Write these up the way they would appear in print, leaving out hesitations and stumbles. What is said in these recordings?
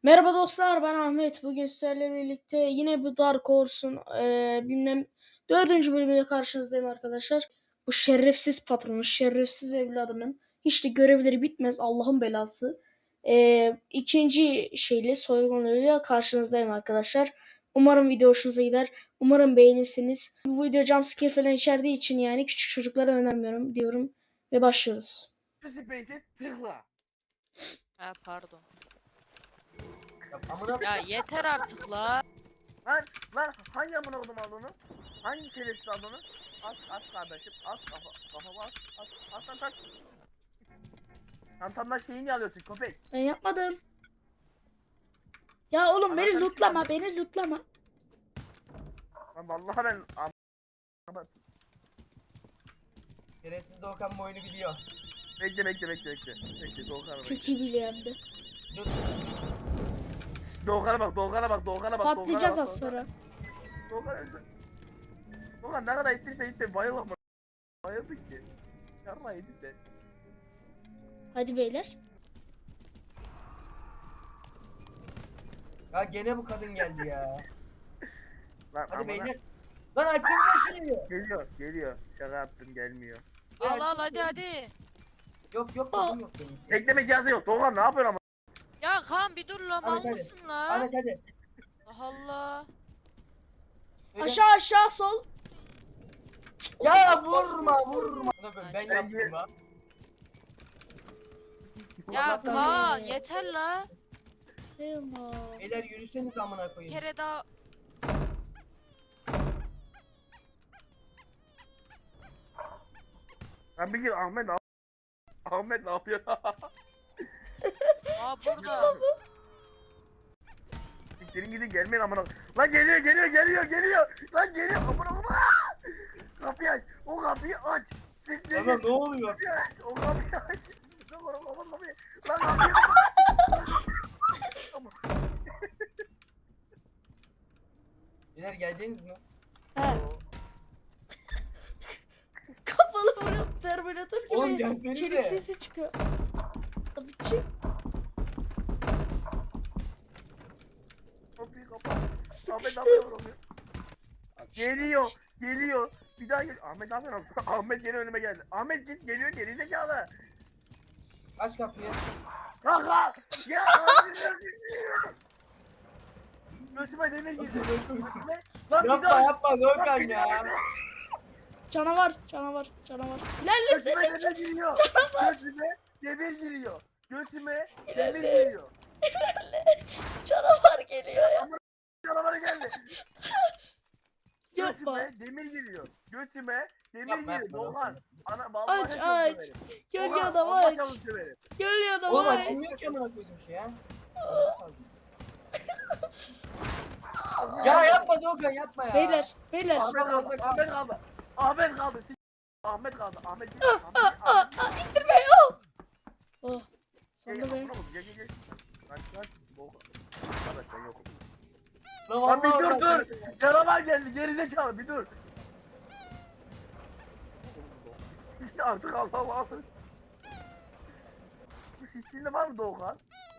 Merhaba dostlar, ben Ahmet. Bugün sizlerle birlikte yine bu Dark Horse'un bilmem 4. bölümüyle karşınızdayım arkadaşlar. Bu şerefsiz patronun, şerefsiz evladının hiç de görevleri bitmez, Allah'ın belası. İkinci şeyle, soygunuyla karşınızdayım arkadaşlar. Umarım video hoşunuza gider. Umarım beğenirsiniz. Bu video jumpscare falan içerdiği için yani küçük çocuklara önermiyorum diyorum ve başlıyoruz. Space'e tıkla. Ha pardon. Amına Ya yeter artık la. lan hangi amına kodum aldığını? Hangi şerefsiz aldığını? At kardeşim. At kafama at. Çantamdan şeyi niye alıyorsun köpek? Ben yapmadım. Ya oğlum beni Anahtarı lootlama, kim aldı? beni lootlama. Lan vallahi ben Şerefsiz Doğukan bu oyunu biliyor. bekle. Bekle Doğukan'a bak. Çok iyi biliyor hem de. Dur. Doğukan'a bak. Patlayacağız az sonra. Doğukan öldü. Doğukan ne kadar ittiyse itti bayılma. Bayıldık ki. Yarma yediyse. Hadi beyler. Ya gene bu kadın geldi ya. Lan Hadi amına. beyler. Lan açın Geliyor. Şaka yaptım gelmiyor. Al al hadi. Yok kadın yok benim. Bekleme cihazı yok. Doğukan ne yapıyorsun ama? Ya Kaan bir dur la mal hadi. mısın la? Ahmet hadi. Allah Allah. Öyle. Aşağı sol. Ya vurma. Ben Ay, yaptım lan. Ya Allah'tan Kaan ya. yeter la. Eyvah. Beyler yürüseniz amına Bir koyayım. kere daha. Ben bir gir Ahmet ne yapıyor? Aa burada. Gidin gelmeyin amına. Lan geliyor. Lan geliyor amına koyayım. Kapıyı aç. O kapıyı aç. Siktir Ama git. ne oluyor? Kapıyı aç. O kapıyı aç. Lan kapıyı. Lan kapıyı. Beyler geleceğiniz mi? He. Kafalı vurup Terminator Oğlum gibi gelsenize. çelik sesi çıkıyor. Tabii ki. Kapıyı kapat. Ahmet ne Sıkıştı. yapıyor? Geliyor. Bir daha gel. Ahmet ne yapıyor? Ahmet gene önüme geldi. Ahmet git geliyor gerizekalı. Aç kapıyı. Kaka! Ya! Götüme demir girdi. Lan bir daha. Yapma Doğukan ya. Canavar. Götüme İlerlesene. demir giriyor. Götüme demir giriyor. Canavar geliyor ya. Canavarı geldi. Yapma. Götüme demir giriyor. Yapma, Doğan. Ana Aç, vallahi aç. çalı söverim. Gölge Doğan, adam vallahi aç. çalı söverim. Gölge adam Oğlum aç. açılmıyor ki amına koydum şey ya. Ya yapma Doğukan yapma ya. Beyler. Ahmet kaldı. Ahmet kaldı. Ahmet git. İttirme. Oh. Sonunda be. Gel. Lan. Ahmet ben yokum. Lan Lan bir vallahi dur. Canavar geldi gerizekalı bir dur. Artık Allah'ım. Bu sitinde var mı Doğukan?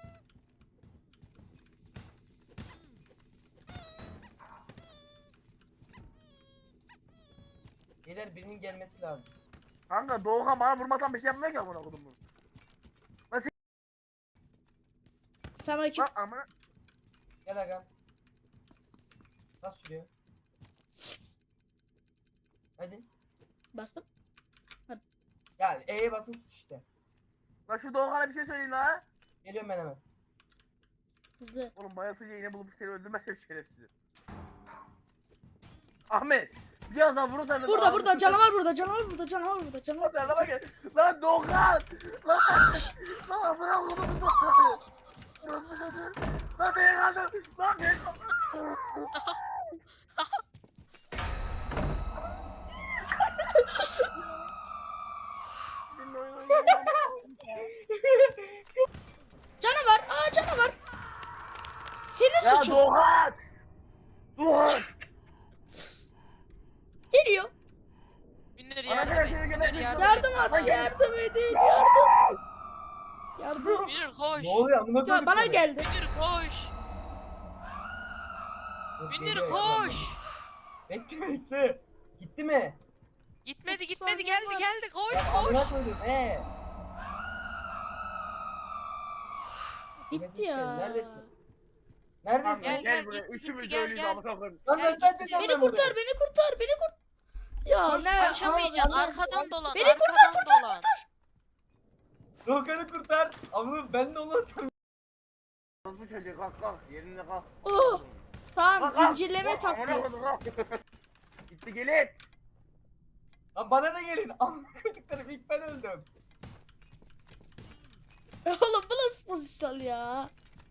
Beyler birinin gelmesi lazım. Kanka Doğukan bana vurmadan bir şey yapmıyor ki amına kodum bunu. Selamünaleyküm. Lan ama Gel agam. Nasıl sürüyor? Hadi. Bastım. Ya E'ye basın tut işte. lan şu Doğukan'a bir şey söyleyin la. Geliyorum ben hemen. Hızlı. Oğlum bayıltıcı iğne bulup seni öldürmezsem şerefsiz. Ahmet biraz daha vurursan da Burada canavar burada. Hadi araba gel. Lan Doğukan! Lan amına koydum Doğukan! Lan beni kaldır! Lan beni kaldır! Senin oyun oynayamam. Canavar. Senin Ya suçun. Doğukan! Doğukan! Geliyor. Binler yardım et. Ana gel, gel, gel, Binler gel. yardım et. Yardım edin. Yardım. Yardım. Münir koş. Ne oluyor amına Ya koyduk bana böyle. geldi. Münir koş. Dur, Münir geliyor ya, koş. Bekle bekle. Gitti mi? Gitmedi 30 gitmedi saniye geldi var. geldi koş Ya amına koş. koydum Bitti ya. Neredesin? Neredesin? Gel, gel, buraya. gitti, Üçümüz gel, ölüyüz gel. amına koyayım. Lan Gel, nasıl gitti. açacağım Beni ben kurtar, burayı? beni kurtar, beni kurtar. Ya Koş, ne? Açamayacaksın Aa, arkadan dolan. Beni arkadan dolan. Doğukan'ı kurtar. Amına ben de olmasam. Bu çocuğu kalk kalk. Yerine kalk. Oh, tamam Kalk, kalk. zincirleme Kalk, amına taktiği. koyayım, kalk. Gitti gelin. Lan bana da gelin. Amına koyduklarım ilk ben öldüm. Oğlum bu nasıl pozisyon ya?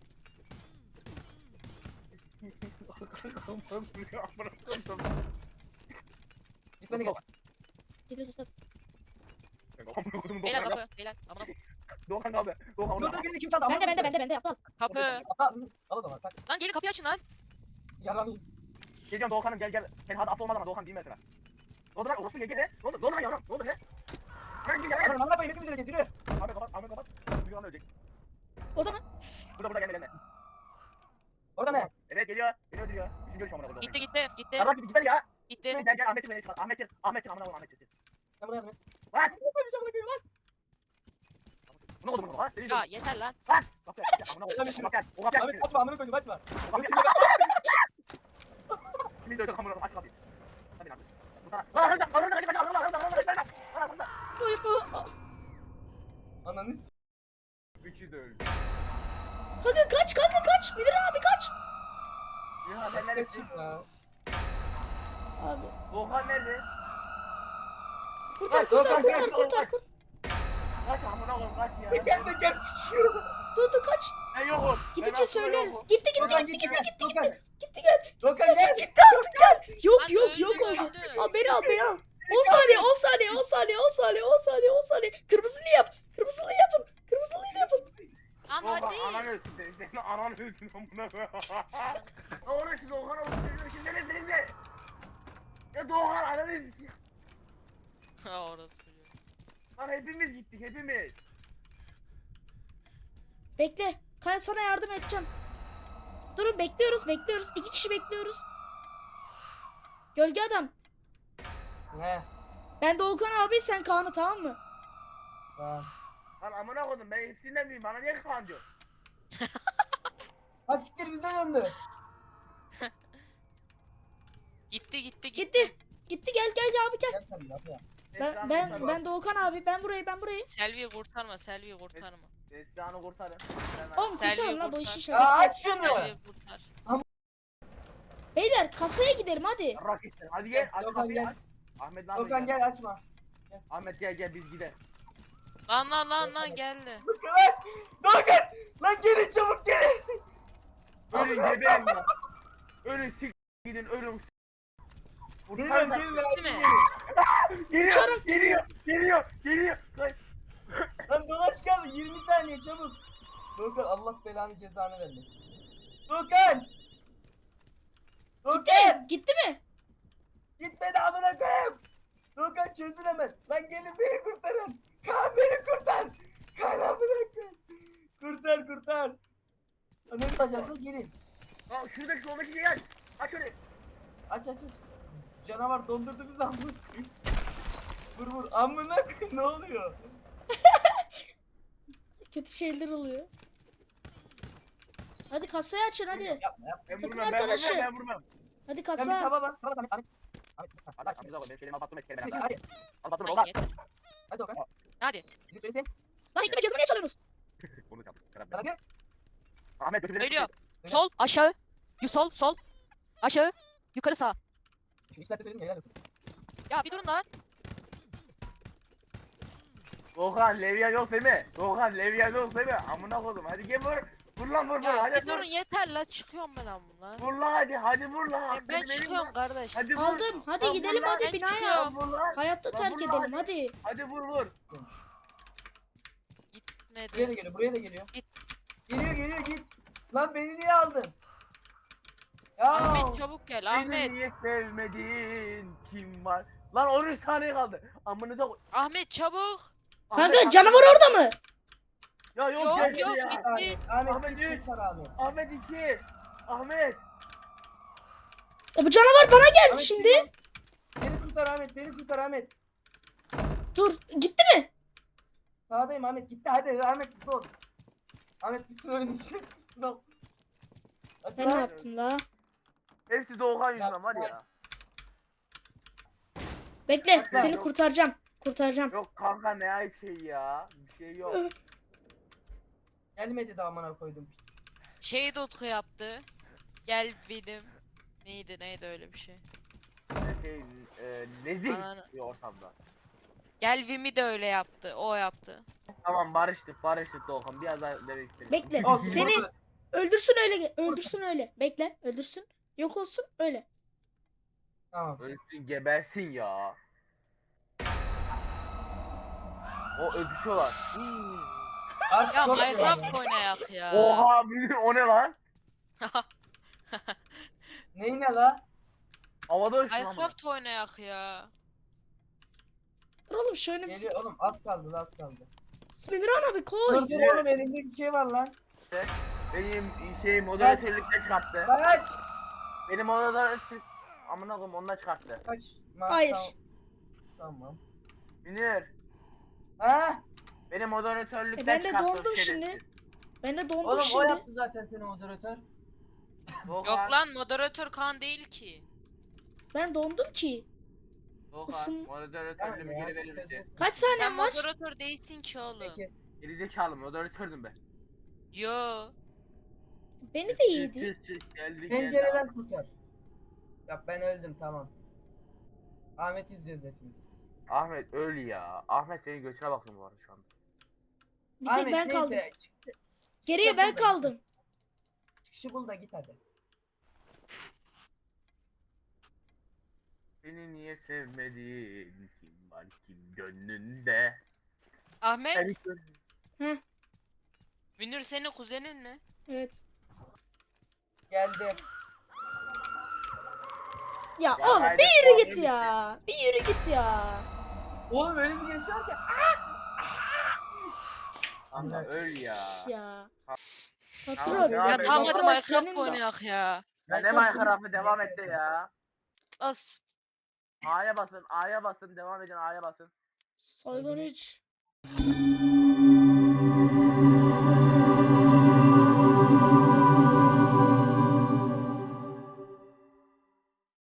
Amına koydum. Biz beni gel. Gidiyoruz işte. Amına koydum. Beyler kapı. Beyler. Amına koy. Doğan abi. Doğan Dur abi. dur beni kim çaldı? Bende aptal. Kapı. Al o zaman tak. Lan gelin kapıyı açın lan. Yalanayım. Geliyorum Doğan'ım gel. Sen hadi af olmaz ama Doğan değil mesela. Ne oldu lan? Orospu gel gel. Ne oldu? Ne oldu lan yavrum? Ne oldu lan? Neresi gel Lan amına koyayım hepimiz öleceğiz yürü. Ahmet kapat. Ahmet kapat. Bir anda ölecek. O da mı? Burada gelme. Orada ne? Evet geliyor. Geliyor. Üçüncü görüş amına koydum. Gitti gitti gitti. Ya bak gitmedi ya. Gitti. Gel Ahmet'in beni çıkar. Ahmet'in amına koyayım Ahmet'in. Sen buna yardım et. Lan. Ne koymuş amına koyayım lan? Bu ne oldu bunu? Ha? Senin Ya yeter lan. Lan. Bak gel. Amına koyayım. Bak gel. O kapıyı aç. Ahmet açma amına koydum açma. Biz de öyle amına koyayım. Aç kapıyı. Hadi lan. Bu tarafa. Lan hızlı. Hızlı kaç. Hızlı. Oy, bu. Ananı s***. Üçü de öldü. Kanka kaç kanka kaç. Bilir abi kaç. Ya sen neredesin? Abi. Doğan nerede? Kurtar Kaç, kurtar kaç, kurtar kaç, kurtar. Kaç amına koyayım kaç ya. Teker teker sikiyor. Dur kaç. Ben yokum. Gidince söyleriz. Gitti gitti. Gitti gel. Dokan gel. Gitti artık gel. Yok Lan yok öldü, yok oldu. öldü. Al beni al beni al. 10 saniye 10 saniye 10 saniye 10 saniye 10 saniye 10 saniye. Kırmızılı yap. Kırmızılı yapın. Kırmızılıyı da yapın. Lan Doğan hadi. anan ölsün seni. Senin anan ölsün amına koyayım. Ne oluyor Doğan olsun bir şey söyleseniz de. Ya Doğan ananı sikeyim. Ha orası çocuğu. Lan hepimiz gittik hepimiz. Bekle. Kaya sana yardım edeceğim. Durun bekliyoruz bekliyoruz. 2 kişi bekliyoruz. Gölge adam. Ne? Ben Doğukan abi sen Kaan'ı tamam mı? Tamam. Lan amına koydum ben hepsinden büyüğüm bana niye Kaan diyor? Ha siktir bize döndü. Gitti gitti gitti. Gitti. Gitti gel abi gel. Gel sen de yapma. Ben Doğukan abi ben burayı. Selvi'yi kurtarma Selvi'yi kurtarma. Esra'nı kurtarın. Oğlum Selvi'yi kurtarın lan bu kurtar. işi Ya şakası. aç şunu. Selvi'yi kurtar. Beyler kasaya gidelim hadi. Raketler. Hadi gel aç Dokan kapıyı gel. aç. Ahmet ne yapıyor? Dokan gel açma. Ahmet gel biz gidelim. Lan geldi. Dokan. Dokan. Lan gelin çabuk gelin. Ölün geberin ya. Ölün sik gidin ölün s***. Gelin Kurtarsan- gelin. Değil mi? Geliyor. Kay- Lan dolaş kaldı 20 saniye çabuk. Dokan Allah belanı cezanı vermesin. Dokan. Dokan. Gitti mi? Gitmedi amına koyayım. Dokan çözün hemen. Lan gelin beni kurtarın. Kaan beni kurtar. Kaan amına koyayım. Kurtar. Ananı açarsa gelin. Aa, şuradaki soldaki şeyi aç. Aç öyle. Aç. Canavar dondurdu bizi amına koyayım. Vur amına koyayım ne oluyor? Kötü şeyler oluyor. Hadi kasayı açın hadi. Yapma. Ben Takım vurmam arkadaşı. ben vurmam. Hadi Sen bir kasa. taba bas. Ahmet. Hadi aç şimdi benim şeylerimi alıp attım eski Hadi. Al battım Ay, oğlum. yeter. Hadi Dokan. Hadi. Bir de söylesin. Lan ikna cezanı niye çalıyorsunuz? Bunu çaldım. Hadi. Ahmet götürdü. Ölüyor. Sol aşağı. Sol. Aşağı. Yukarı sağ. Şimdi 2 saatte söyledim ya helal olsun. Ya bir durun lan. Doğan Levya yok değil mi? Doğan Levya yok değil mi? Amına koydum. Hadi gel vur. Vur lan vur. Ya Hadi bir durun yeter la çıkıyorum ben amına. Vur lan hadi vur lan. Ben Hakkını verin çıkıyorum lan. kardeş. Hadi vur. Aldım. Hadi Lan gidelim vur lan. hadi Ben binaya. çıkıyorum. Vur lan. Hayatta Lan terk vur edelim lan. hadi. Hadi vur. Gitmedi. Buraya da geliyor. Git. Geliyor git. Lan beni niye aldın? Ya. Ahmet çabuk gel Beni Ahmet. niye sevmedin? Kim var? Lan 13 saniye kaldı. Amınıza koy. Ahmet çabuk. Kanka Ahmet, canavar orada mı? Ya yok Yok, geçti yok, ya. gitti. Ahmet Ahmet git, üç. kurtar Ahmet. Ahmet 2. Ahmet. Bu canavar bana geldi Ahmet, şimdi. Beni kurtar Ahmet, beni kurtar Ahmet. Dur gitti mi? Sağdayım Ahmet, gitti hadi Ahmet hızlı ol. Ahmet bütün oyunu içine sıçtın al. Hadi Ben ne lan. yaptım la? Hepsi Doğukan yüzünden var ya. Bekle Bak lan, seni yok. kurtaracağım. Kurtaracağım. Yok kanka ne ayıp şey ya. Bir şey yok. Gelmedi de amına koydum. Şey de Utku yaptı. Gel benim. Neydi öyle bir şey. Şey, nezih Ananı- bir ortamda. Gel Vimi de öyle yaptı. O yaptı. Tamam barıştık Doğukan. Biraz daha demek istedim. Bekle. Olsun, Seni olsun. öldürsün öyle. Öldürsün öyle. Bekle. Öldürsün. Yok olsun öyle. Tamam. Ölsün gebersin ya. O öpüşüyorlar. Aşk Ya çok Minecraft iyi. oynayak ya. Oha Münir o ne lan? Neyi ne la? Havada uçtu lan bu. Minecraft oynayak ya. Dur oğlum şöyle. Geliyor oğlum az kaldı az kaldı. Münirhan abi koy. Dur dur oğlum elimde bir şey var lan. Benim şey moderatörlükten çıkarttı. Kaç. Benim moderatörlük amına koyayım ondan çıkarttı. Kaç. Hayır. Tamam. Münir Ha? benim moderatörlükten Ben de çıkarttı o dondum şerefsiz. şimdi. Ben de dondum Oğlum o şimdi. yaptı zaten seni moderatör. Doğukan, Yok lan moderatör Kaan değil ki. Ben dondum ki. Doğukan ısın- moderatörlüğümü geri verir misin? Kaç Sen saniyem var? moderatör değilsin ki oğlum. Kes. Gerizekalı moderatördüm ben. Yo. Beni de yedi. Çık geldi Pencereden kurtar. Ya ben öldüm tamam. Ahmet izliyoruz hepimiz. Ahmet öl ya. Ahmet senin götüne bakın bu arada şu anda. Bir tek Ahmet ben kaldım. neyse. Geriye ben kaldım. Çıkışı bul da git hadi. Beni niye sevmedin? Kim var kim gönlünde? Ahmet, Ben- Münir senin kuzenin mi? Evet. Geldim. Ya Ya oğlum haydi, bir yürü puanım git ya. Bir yürü git ya. Oğlum öyle bir giriş var ki. Kanka öl ya. Ya. Ya, Patron. ya Ya ben- tamam hadi patron Minecraft senin de- oynayak ya. Ya ne Minecraft'ı devam etti ya. As. A'ya basın, devam edin A'ya basın. Soygun 3.